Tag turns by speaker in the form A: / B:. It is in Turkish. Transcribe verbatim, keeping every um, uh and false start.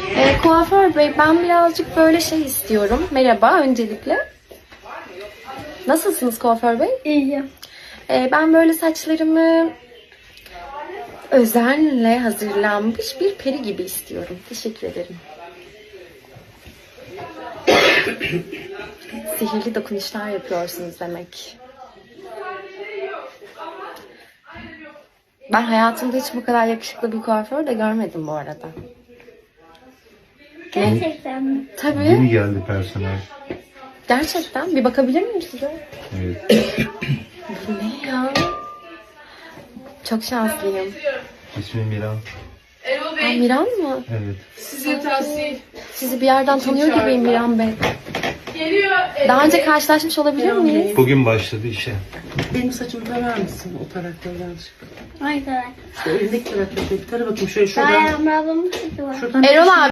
A: Ee, kuaför bey, ben birazcık böyle şey istiyorum. Merhaba öncelikle. Nasılsınız kuaför bey?
B: İyiyim.
A: Ee, ben böyle saçlarımı özenle hazırlanmış bir peri gibi istiyorum. Teşekkür ederim. Sihirli dokunuşlar yapıyorsunuz demek. Ben hayatımda hiç bu kadar yakışıklı bir kuaför de görmedim bu arada.
B: Gerçekten mi?
A: Tabii.
C: Yeni geldi personel.
A: Gerçekten. Bir bakabilir miyim size?
C: Evet.
A: Bu ne ya? Çok şanslıyım.
C: İsmi Miran.
A: Ha, Miran mı?
C: Evet.
D: Size tavsiye.
A: Sizi bir yerden tanıyor gibiyim Miran Bey.
D: Geliyor.
A: Daha önce karşılaşmış olabilir miyiz?
C: Bugün başladı işe.
D: Benim saçımı tarar mısın o tarakları yanlışlıkla?
B: Ay kadar.
D: İşte elindeki tarakları bir tara bakayım şöyle
B: Daha
D: şuradan.
B: Yağmur ablamın saçı var.
D: Şuradan
A: Erol abi.